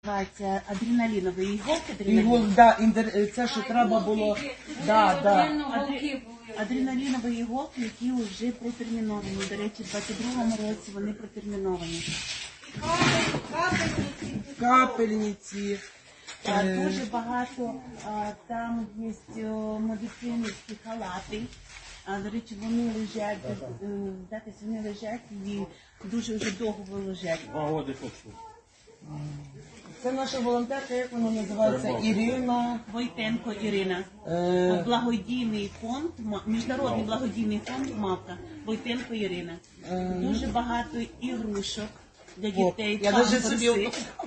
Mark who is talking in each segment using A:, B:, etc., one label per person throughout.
A: Називається адреналінові іголки.
B: Це що треба було.
A: Адреналінові іголки, які вже протерміновані. До речі, в 22-му році вони протерміновані.
B: Капельниці.
A: Дуже багато там є медицинські халати. До речі, вони лежать, вони лежать і дуже вже довго лежать.
B: Це наша волонтерка, як вона називається? Ірина.
A: Войтенко Ірина. Благодійний фонд, міжнародний благодійний фонд «Мавка». Войтенко Ірина. Дуже багато ігрушок для дітей.
B: Я навіть собі...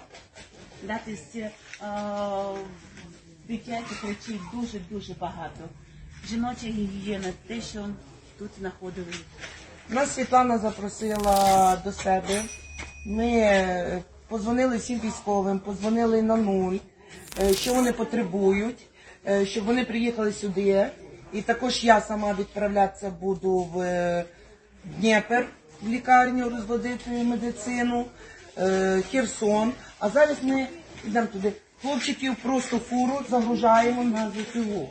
A: Дитячих речей дуже багато. Жіноча гігієна, те, що тут знаходили.
B: Нас Світлана запросила до себе. Ми подзвонили всім військовим, подзвонили на 0, що вони потребують, щоб вони приїхали сюди. І також я сама відправлятися буду в Дніпр, в лікарню, розводити медицину, Херсон. А зараз ми йдемо туди. Хлопчиків просто фуру загружаємо на ЗСУ.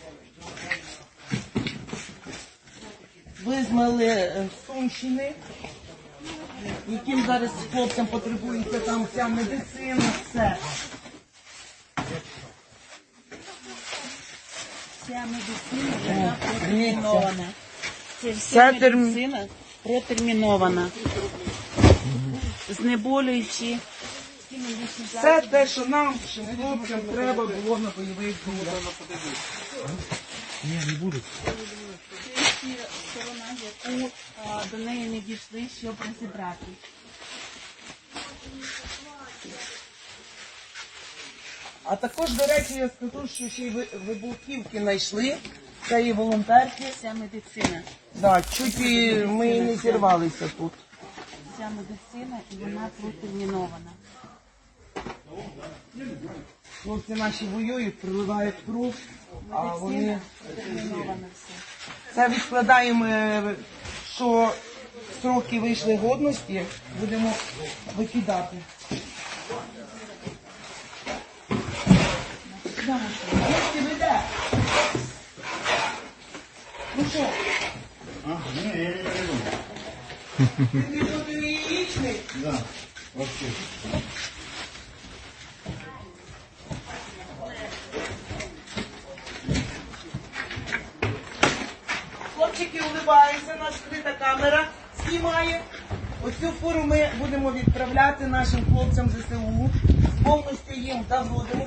B: Визнали Сумщини, яким зараз хлопцям потребується там вся медицина, все.
A: Вся медицина вже протермінована. Це вся медицина протермінована. Знеболюючи.
B: Все те, що нам, хлопцям, треба було на бойових діях.
C: Ні, не будуть.
A: Це сторона, яку до неї не дійшли, щоб розібрати.
B: А також, до речі, я скажу, що ще й вибухівки знайшли, це і волонтерки.
A: Вся медицина.
B: Да, чуть і ми не зірвалися тут.
A: Вся медицина, і вона протермінована.
B: Хлопці наші воюють, приливають кров, а вони...
A: Медицина протермінована все.
B: Це відкладаємо, що строки вийшли годності, будемо викидати. Дітки, ви де? Ну що?
C: Ні, я не перейду.
B: Ти буде яєчний?
C: Да, вообще.
B: Хлопчики улибаються, наша скрита камера знімає. Оцю фуру ми будемо відправляти нашим хлопцям ЗСУ. Повністю їм доводимо.